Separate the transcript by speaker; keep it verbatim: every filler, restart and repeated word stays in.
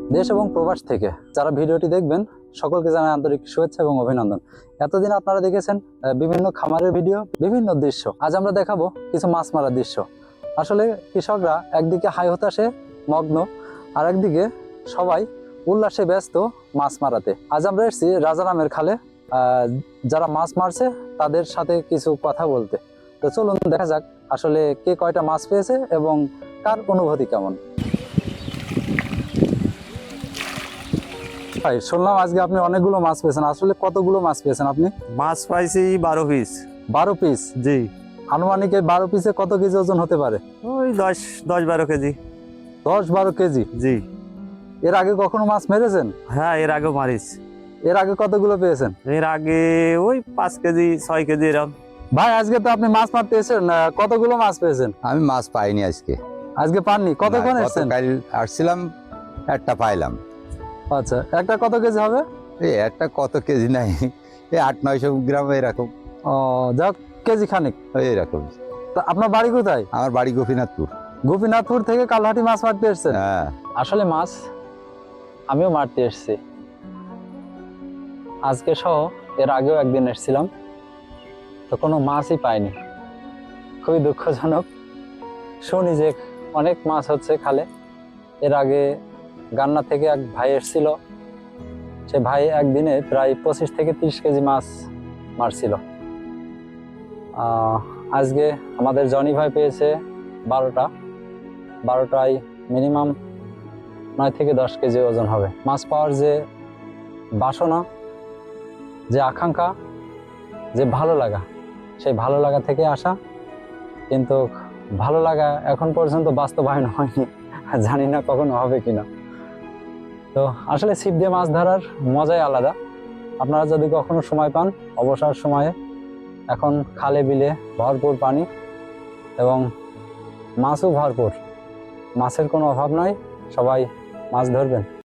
Speaker 1: দেশ এবং প্রবাস থেকে যারা ভিডিওটি দেখবেন সকলকে জানাই আন্তরিক শুভেচ্ছা এবং অভিনন্দন। এতদিন আপনারা দেখেছেন বিভিন্ন খামারের ভিডিও, বিভিন্ন দৃশ্য। আজ আমরা দেখাবো কিছু মাছ মারার দৃশ্য। আসলে কৃষকরা একদিকে হাই হতাশে মগ্ন, আর একদিকে সবাই উল্লাসে ব্যস্ত মাছ মারাতে। আজ আমরা এসেছি রাজারামের খালে, যারা মাছ মারছে তাদের সাথে কিছু কথা বলতে। তো চলুন দেখা যাক আসলে কে কয়টা মাছ পেয়েছে এবং কার অনুভূতি কেমন। ভাই, শুনলাম আজকে আপনি অনেকগুলো মাছ পেয়েছেন। আসলে কতগুলো মাছ পেয়েছেন আপনি?
Speaker 2: মাছ পাইছি বারো পিস।
Speaker 1: বারো পিস?
Speaker 2: জি।
Speaker 1: আনুমানিক এই বারো পিসে কত কেজি ওজন হতে পারে?
Speaker 2: ওই দশ দশ বারো কেজি।
Speaker 1: দশ বারো কেজি?
Speaker 2: জি।
Speaker 1: এর আগে কখনো মাছ মেরেছেন?
Speaker 2: হ্যাঁ, এর আগে মারিস।
Speaker 1: এর আগে কতগুলো পেয়েছেন?
Speaker 2: এর আগে ওই পাঁচ কেজি ছয় কেজি এরকম।
Speaker 1: ভাই, আজকে তো আপনি মাছ মারতে এসেছেন, কতগুলো মাছ পেয়েছেন?
Speaker 3: আমি মাছ পাইনি আজকে।
Speaker 1: আজকে পাননি? কতক্ষণ
Speaker 3: না,
Speaker 1: এসেছেন?
Speaker 3: গতকাল আসছিলাম, একটা পাইলাম।
Speaker 1: আচ্ছা, একটা কত কেজি হবে?
Speaker 3: এই একটা কত কেজি নাই, এই আট নয়শো গ্রাম এরকম।
Speaker 1: ও যাক, কেজি খানিক
Speaker 3: এরকম।
Speaker 1: তা আপনার বাড়ি কোথায়?
Speaker 3: আমার বাড়ি গোপীনাথপুর।
Speaker 1: গোপীনাথপুর থেকে কালহাটি মাছ মারতে এসেছেন?
Speaker 3: হ্যাঁ।
Speaker 1: আসলে মাছ আমিও মারতে এসেছি, আজকে সহ এর আগেও একদিন এসেছিলাম, তো কোনো মাছই পাইনি। খুবই দুঃখজনক। শুনি যে অনেক মাছ হচ্ছে খালে। এর আগে গান্না থেকে এক ভাই এসেছিল, সে ভাই একদিনে প্রায় পঁচিশ থেকে তিরিশ কেজি মাছ মারছিল। আজকে আমাদের জনি ভাই পেয়েছে বারোটা। বারোটায় মিনিমাম নয় থেকে দশ কেজি ওজন হবে। মাছ পাওয়ার যে বাসনা, যে আকাঙ্ক্ষা, যে ভালো লাগা, সেই ভালো লাগা থেকে আসা, কিন্তু ভালো লাগা এখন পর্যন্ত বাস্তবায়ন হয়নি, জানি না কখনো হবে কিনা। তো আসলে ছিপ দিয়ে মাছ ধরার মজাই আলাদা। আপনারা যদি কখনো সময় পান, অবসর সময়ে, এখন খালে বিলে ভরপুর পানি এবং মাছও ভরপুর, মাছের কোনো অভাব নয়, সবাই মাছ ধরবেন।